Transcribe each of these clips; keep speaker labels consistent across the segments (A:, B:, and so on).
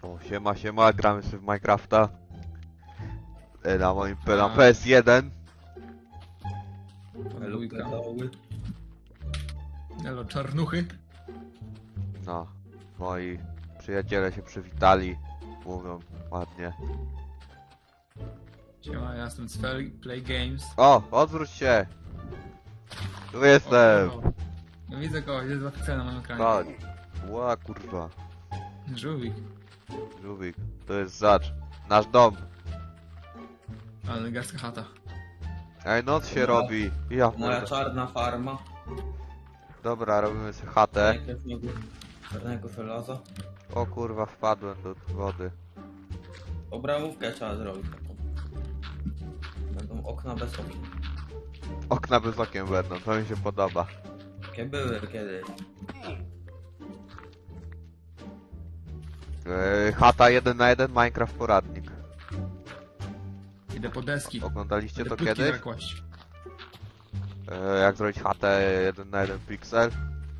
A: O, siema, gramy sobie w Minecrafta. Na moim na PS1.
B: Elo, czarnuchy.
A: No, moi przyjaciele się przywitali. Mówią ładnie.
B: Siema, ja jestem z Play Games.
A: O, odwróć się! Tu jestem!
B: No widzę kogoś, jest zapisane na moim ekranie.
A: Chodź. Ła, kurwa.
B: Żółwik.
A: Żółwik, to jest zacz. Nasz dom.
B: Ale gaska chata.
A: Ej, noc się robi. Ja
C: Moja
A: kurde.
C: czarna farma.
A: Dobra, robimy sobie chatę.
C: Czarnego żelaza.
A: O kurwa, wpadłem do wody.
C: Obramówkę trzeba zrobić taką. Będą okna bez okien.
A: Okna bez okien będą, to mi się podoba.
C: Jakie były kiedyś.
A: Chata 1 na 1, Minecraft poradnik.
B: Idę po deski.
A: Oglądaliście
B: Idę
A: to
B: płytki
A: kiedyś?
B: zakłaść.
A: Jak zrobić chatę 1 na 1 piksel?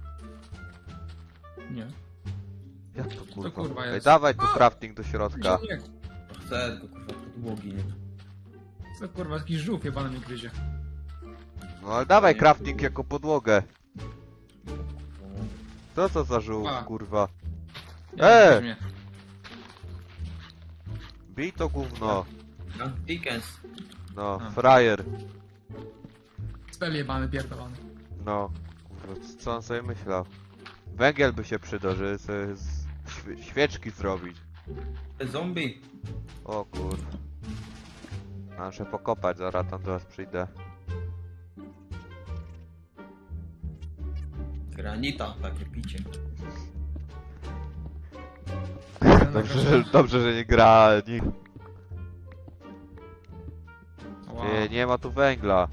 B: Nie.
A: Jak to kurwa?
B: kurwa
A: Ej,
B: jest?
A: dawaj tu crafting do środka.
B: Nie.
C: Chcę tylko kurwa podłogi, nie?
B: Co kurwa, taki żółw jebany mi gryzie.
A: No ale dawaj crafting jako podłogę. Co za żółw,
B: A.
A: kurwa?
B: Nie,
A: E!
B: mnie.
A: Bij to gówno.
C: No, Dickens.
A: No,
B: A.
A: frajer.
B: Spell jebany, pierdolony.
A: No, kurwa, co on sobie myślał? Węgiel by się przydał, żeby sobie świeczki zrobić.
C: Zombie.
A: O kurwa. Muszę pokopać, zaraz tam do was przyjdę.
C: Granita, takie picie.
A: Dobrze, że nie gra nikt.
B: Wow.
A: Nie ma tu węgla.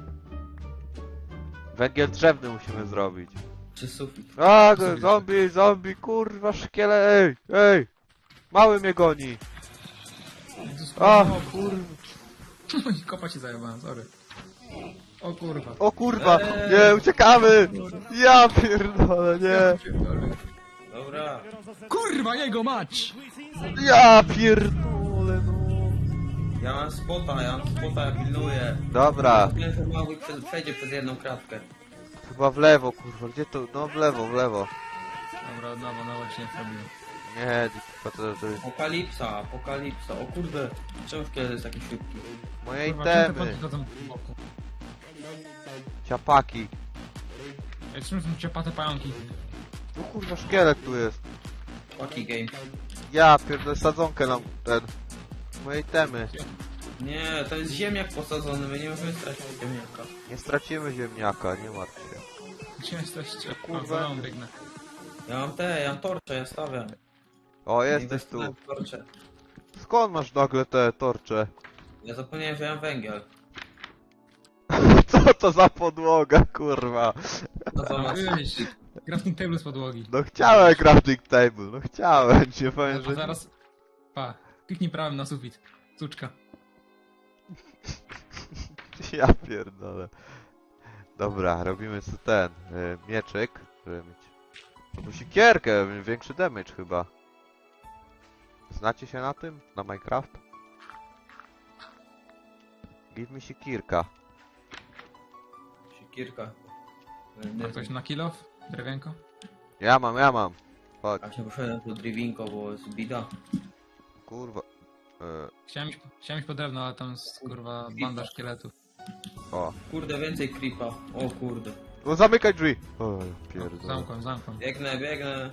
A: Węgiel drzewny musimy zrobić.
C: Czy sufit?
A: A,
B: Sobie
A: zombie, kurwa, szkiele, ej! Mały mnie goni.
B: Jezus,
A: A,
B: kurwa.
A: kurwa.
B: Kopa ci zajebałem, sorry. O kurwa.
A: O kurwa, nie, uciekamy! Ja pierdolę, nie!
B: Ja pierdolę.
C: Dobra.
B: Kurwa, jego mać!
A: Ja pierdolę, no.
C: Ja mam spota, ja pilnuję.
A: Dobra,
C: Nie, że mały przejdzie przez jedną kratkę.
A: chyba w lewo, kurwa, gdzie to? No w lewo.
B: Dobra, no właśnie zrobiłem.
A: Nie, to jest
C: Apokalipsa. O kurde, czemu kiedy jest taki szybki?
A: moje
B: Kurwa, czemu te
A: itemy.
B: potki chodzą w boku?
A: Ciapaki.
B: Ej, czym są ciapate pająki?
A: No kurwa, szkielet tu jest.
C: Paki game.
A: Ja pierdolę, sadzonkę nam ten. Moje itemy.
C: Nie, to jest ziemniak posadzony, my nie możemy stracić ziemniaka.
A: Nie stracimy ziemniaka, nie martw się.
B: Gdzie jesteście?
A: Kurwa.
B: Kurwa, biegnę.
C: Ja mam torcze, ja stawiam.
A: O, jesteś
C: Inwestuję
A: tu.
C: w torcze.
A: Skąd masz nagle te torcze?
C: Ja zapomniałem, że ja mam węgiel.
A: Co to za podłoga, kurwa?
C: No to masz...
B: Wyjść. Crafting table z podłogi.
A: No chciałem crafting table, no chciałem, nie powiem,
B: A
A: że...
B: zaraz... Pa, kliknij prawym na sufit. Cuczka.
A: Ja pierdolę. Dobra, robimy sobie ten mieczyk, żeby mieć... No sikierkę, większy damage chyba. Znacie się na tym? Na Minecraft? Give mi sikierka.
C: Sikierka.
B: Ma ktoś na kill off? Drewienko?
A: Ja mam. Chodź,
C: A się poszedłem tu drivinko, bo jest bida.
A: kurwa.
B: Chciałem iść po drewno, ale tam jest kurwa banda szkieletów.
A: O.
C: Kurde, więcej creepa. O kurde.
A: No zamykaj drzwi! O, pierdolę.
B: Zamkłem.
C: Biegnę.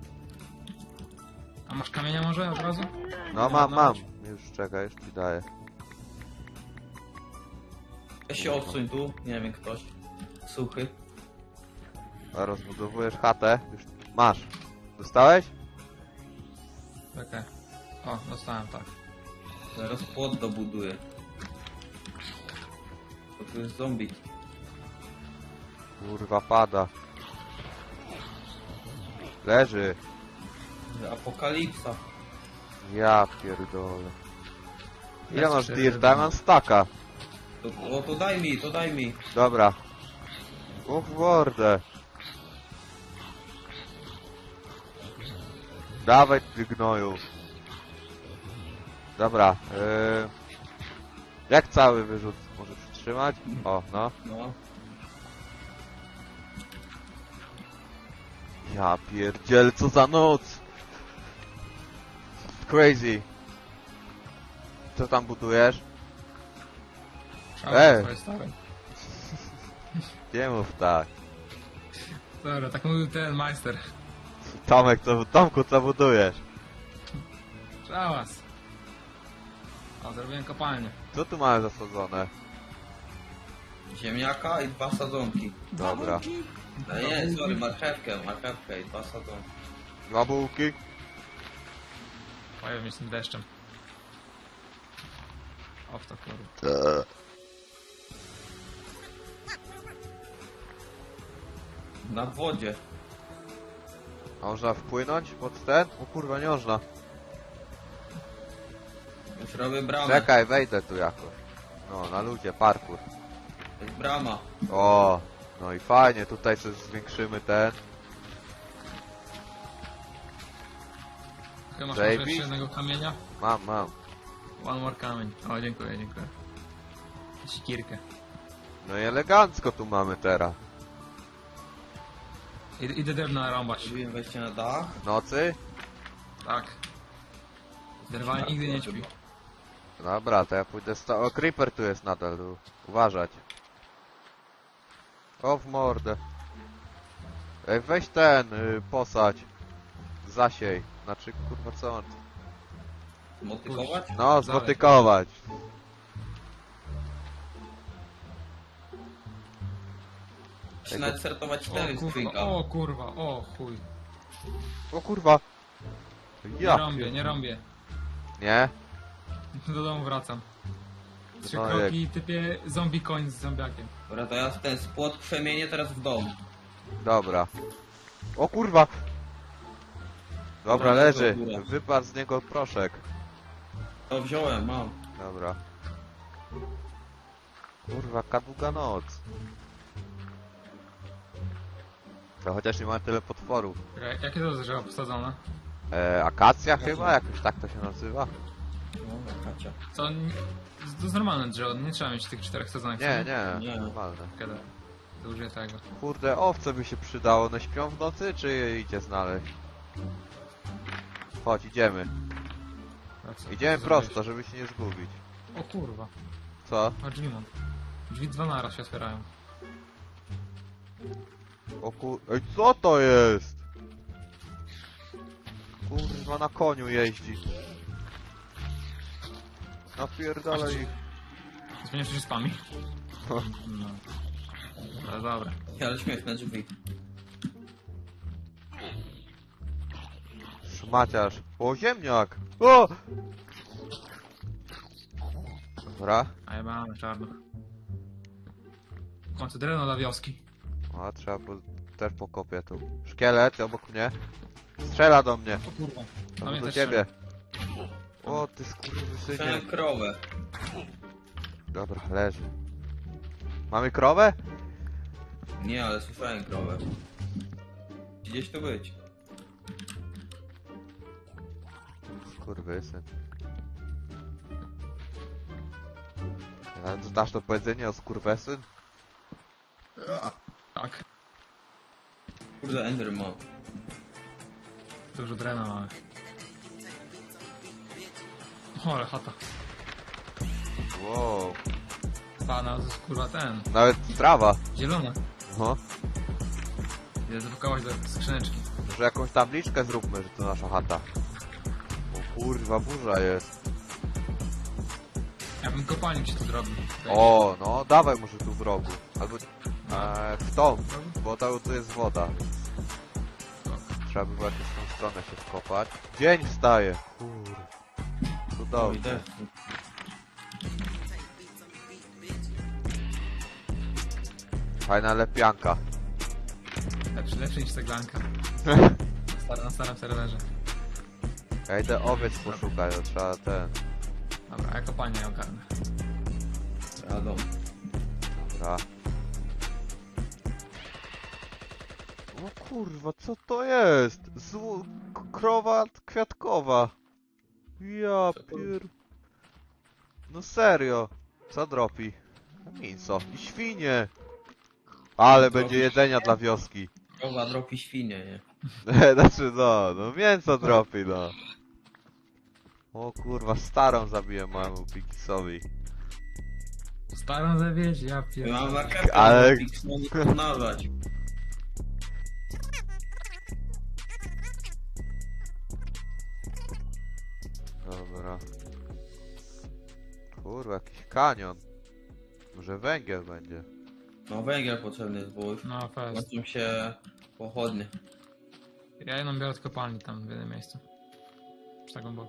B: A masz kamienia może od razu?
A: No mam. Już czekaj, już ci daję.
C: Weź się odsuń tu, nie wiem ktoś. Suchy.
A: A rozbudowujesz chatę. Już masz. Dostałeś?
B: Czekaj. O, dostałem tak.
C: Zaraz płot dobuduję. To tu jest zombie.
A: Kurwa pada. Leży.
C: Apokalipsa.
A: Ja pierdolę. Ile
B: Jest
A: masz
B: cztery
A: dirta? Ja mam staka.
C: To daj mi.
A: Dobra. O w mordę. Dawaj ty gnoju. Dobra, jak cały wyrzut? Może przytrzymać? O, no.
C: No.
A: Ja pierdziel, co za noc! Crazy. Co tam budujesz?
B: Szałem swoje stare.
A: Nie mów tak.
B: Dobra, tak mówił ten majster.
A: Tomek, Tomku, co budujesz?
B: Szałas. O, zrobiłem kopalnię.
A: Co tu mamy zasadzone?
C: Ziemniaka i 2 sadzonki.
A: Dobra.
C: No nie, sorry, marchewkę i 2 sadzonki.
A: Dwa bułki?
B: Pojawił mnie z tym deszczem. O, w to kurwa.
C: Na wodzie.
A: A można wpłynąć pod ten? O kurwa, nie można.
C: Już robię bramę.
A: Czekaj, wejdę tu jakoś. No, na ludzie, parkour.
C: To jest brama.
A: O, no i fajnie, tutaj sobie zwiększymy ten.
B: Chyba masz
A: Zajebiście.
B: może jeszcze jednego kamienia?
A: Mam.
B: One more kamień. O, dziękuję. Sikierkę.
A: No i elegancko tu mamy teraz.
B: Idę drewno rąbać.
C: Zrobiłem wejście na dach.
A: W nocy?
B: Tak. Drwal nigdy nie śpi.
A: Dobra, to ja pójdę o, creeper tu jest nadal, tu. Uważać. O, w mordę. Ej, weź ten, posadź. Zasiej. Znaczy, kurwa, co on?
C: Motykować?
A: No, zmotykować.
C: Czy nawet startować 4 z trójka.
B: O kurwa, o chuj.
A: O kurwa. Ja.
B: Nie rąbię.
A: Nie?
B: Do domu wracam. 3
A: No,
B: kroki i typie zombie koń z zombiakiem.
C: Dobra, to ja ten spłot przemienię teraz w dom.
A: Dobra. O kurwa. Dobra,
C: Dobra,
A: leży.
C: dobra.
A: Wypadł z niego proszek.
C: To wziąłem, mam.
A: Dobra. Kurwa, długa noc. To chociaż nie ma tyle potworów.
B: Czekaj, jakie to drzewo posadzone?
A: Akacja chyba? Jakoś tak to się nazywa?
C: No, Kacia.
B: Co? To jest normalne drzewo, nie trzeba mieć tych 4 sadzonek.
A: Nie,
C: Nie.
A: nie, normalne.
B: Kiedy? To użyję tego.
A: Kurde, owce by się przydało. One śpią w nocy, czy je idzie znaleźć? Chodź, idziemy.
B: A co?
A: Idziemy
B: Co
A: prosto, żeby się nie zgubić.
B: zrobiłeś? O kurwa.
A: Co?
B: A drzwi mam. Drzwi 2 naraz się otwierają.
A: O Ej, co to jest? Kurwa, na koniu jeździ. Napierdalaj ich.
B: Zmieniasz się spami? No. No dobra.
C: Ale śmieszne drzwi.
A: Szmaciarz. O, ziemniak! O! Dobra.
B: A ja mam czarnych. W końcu drewno dla wioski.
A: O, trzeba też pokopię tu. Szkielet obok mnie. Strzela do mnie.
B: O kurwa.
A: To
B: mnie
A: do
B: też
A: ciebie. O, ty skurwysynie.
C: Słyszałem krowę.
A: Dobra, leży. Mamy krowę?
C: Nie, ale słyszałem krowę. Gdzieś tu być.
A: Skurwysyn. Ale znasz to powiedzenie o skurwesyn?
B: Tak.
C: Kurde, Enderman.
B: Dużo drewna mamy. O, ale chata.
A: Wow.
B: Pana, to jest kurwa ten.
A: Nawet trawa.
B: Zielona.
A: No.
B: Idę zapakować do skrzyneczki.
A: Może jakąś tabliczkę zróbmy, że to nasza chata. O kurwa, burza jest.
B: Ja bym kopalnik się tu zrobił.
A: O, no dawaj może tu w rogu. Albo w tą, bo tu jest woda. Trzeba by właśnie w tą stronę się wkopać. Dzień wstaje. Kurwa.
C: No i
A: Cudownie.
C: też.
A: Fajna lepianka.
B: Lepszy niż ceglanka. Na starym serwerze.
A: Ja idę owiec poszukać, to trzeba ten.
B: Dobra, ja kopalnię ogarnę.
C: Radą.
A: Dobra. O kurwa, co to jest? Krowa kwiatkowa. Ja pier... No serio. Co dropi? Mięso i świnie. Ale
C: Dropi
A: będzie jedzenia dla wioski.
C: Krowa dropi świnie, nie?
A: Znaczy no mięso dropi, no. O kurwa, starą zabiję mojemu Pikisowi.
B: Starą zawieź, ja
C: Ja mam
B: pierdolę.
C: marchewkę,
A: Ale-
C: ale nie pomnażać.
A: Dobra. Kurwa, jakiś kanion. Może węgiel będzie.
C: No węgiel potrzebny jest, bo już
B: No fest.
C: kończą się pochodnie.
B: Ja jedną biorę od kopalni tam w jednym miejscu. Przy tak głęboko.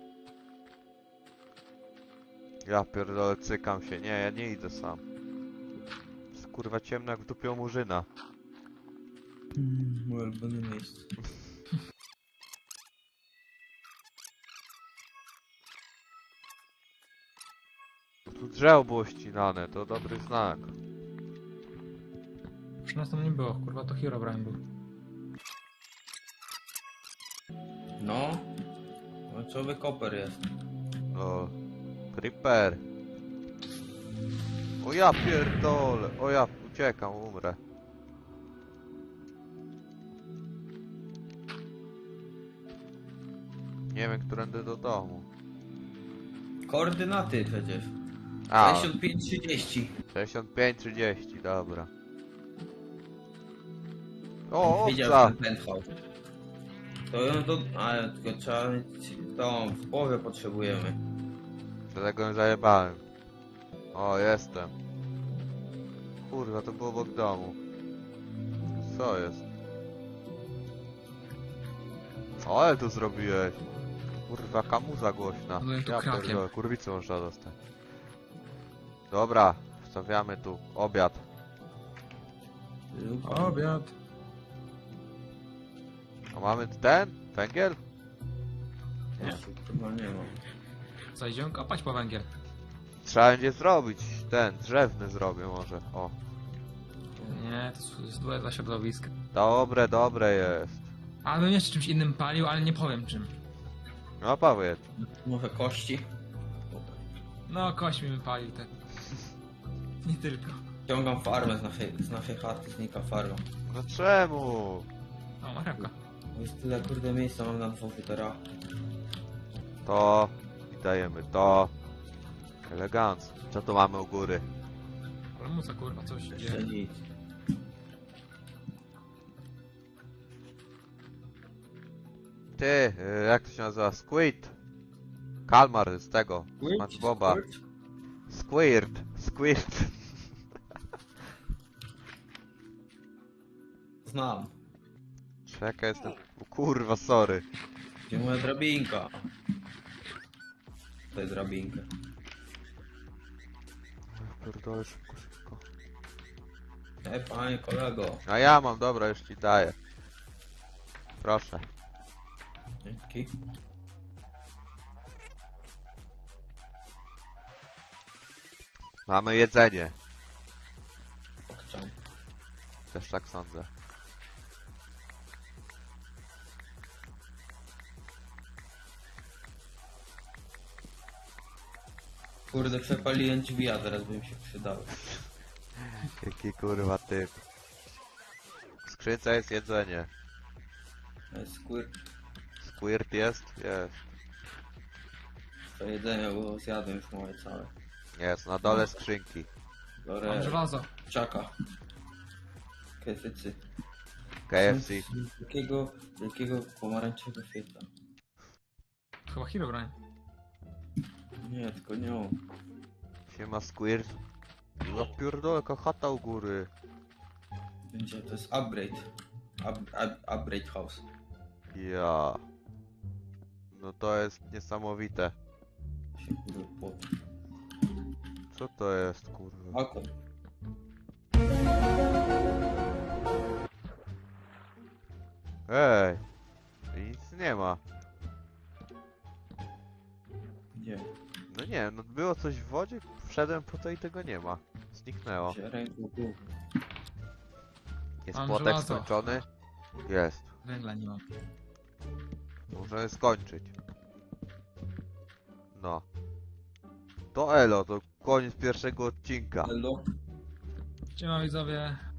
A: Ja pierdolę, cykam się. Nie, ja nie idę sam. Jest kurwa ciemno jak w dupie u murzyna.
C: Moje ulubione miejsce.
A: Tu drzewo było ścinane, to dobry znak.
B: Przy nas tam nie było, kurwa to Herobrine był.
C: No. Końcowy koper jest.
A: O, creeper. O ja pierdolę, o ja uciekam, umrę. Nie wiem, którędy do domu.
C: Koordynaty przecież.
A: A,
C: 65-30.
A: 65-30, dobra. O,
C: Widział
A: owca!
C: ten penthouse. To ją do... Ale tylko trzeba mieć tą w połowie potrzebujemy.
A: Dlatego ją zajebałem. O, jestem. Kurwa, to było obok domu. Co jest? O, ale tu zrobiłeś. Kurwa, kamuza głośna.
B: Byłem tu
A: Ja
B: krakiem.
A: pierdolę, kurwicę można dostać. Dobra, wstawiamy tu obiad.
B: Obiad.
A: A mamy ten? Węgiel?
B: Nie.
C: Chyba nie ma.
B: Co, idziemy kopać po węgiel?
A: Trzeba będzie zrobić ten, drzewny zrobię może. O,
B: Nie, to jest dla środowiska.
A: dobre, dobre jest.
B: A bym jeszcze czymś innym palił, ale nie powiem czym.
A: No powiedz.
C: Może kości?
B: No, kość mi wypalił tak. Nie tylko.
C: Ciągam farmę z naszej chaty, znika farma.
A: No czemu?
B: O, marchewka.
C: Jest tyle kurde miejsca mam na dworzu teraz.
A: To i dajemy to. Elegancko. Co tu mamy u góry?
B: Ale muca, kurwa, coś się
C: Jeszcze
B: dzieje.
C: nic.
A: Ty, jak to się nazywa? Squid. Kalmar z tego. SpongeBoba. Squirt. Squirt.
C: Znam.
A: Czekaj, jestem... O kurwa, sorry.
C: Gdzie moja drabinka? To jest drabinka.
A: Pierdolę, szybko, szybko.
C: Panie kolego.
A: A ja mam, dobra, już ci daję. Proszę.
C: Dzięki.
A: Mamy jedzenie.
C: Pokczam.
A: Też tak sądzę.
C: Kurde, przepaliłem drzwi, a teraz by mi się przydały.
A: Jaki kurwa typ. W skrzynce jest jedzenie.
C: Squirt.
A: Squirt jest? Jest.
C: To jedzenie, bo zjadłem już moje całe.
A: Jest, na dole skrzynki.
B: Mam
C: Biorę
B: żelazo.
C: czaka. Kesycy.
A: KFC.
C: Jakiego pomarańczowego świetla.
B: Chyba Herobrine.
C: Nie, tylko nie on.
A: Siema Squirt. Ja pierdolę, jaka chata u góry.
C: Będzie, to jest upgrade. Upgrade house.
A: Ja. No to jest niesamowite.
C: Się kurde po...
A: Co to jest, kurwa?
C: Oko.
A: Ej! Nic nie ma.
C: Gdzie?
A: No nie, no było coś w wodzie, wszedłem po to i tego nie ma. Zniknęło.
C: Gdzie ręką tu?
A: Jest
B: Mam
A: płotek
B: żelazo.
A: skończony? Jest.
B: Węgla nie mam.
A: Możemy skończyć. No. To elo, to koniec pierwszego odcinka.
C: Hello.
B: Siema widzowie.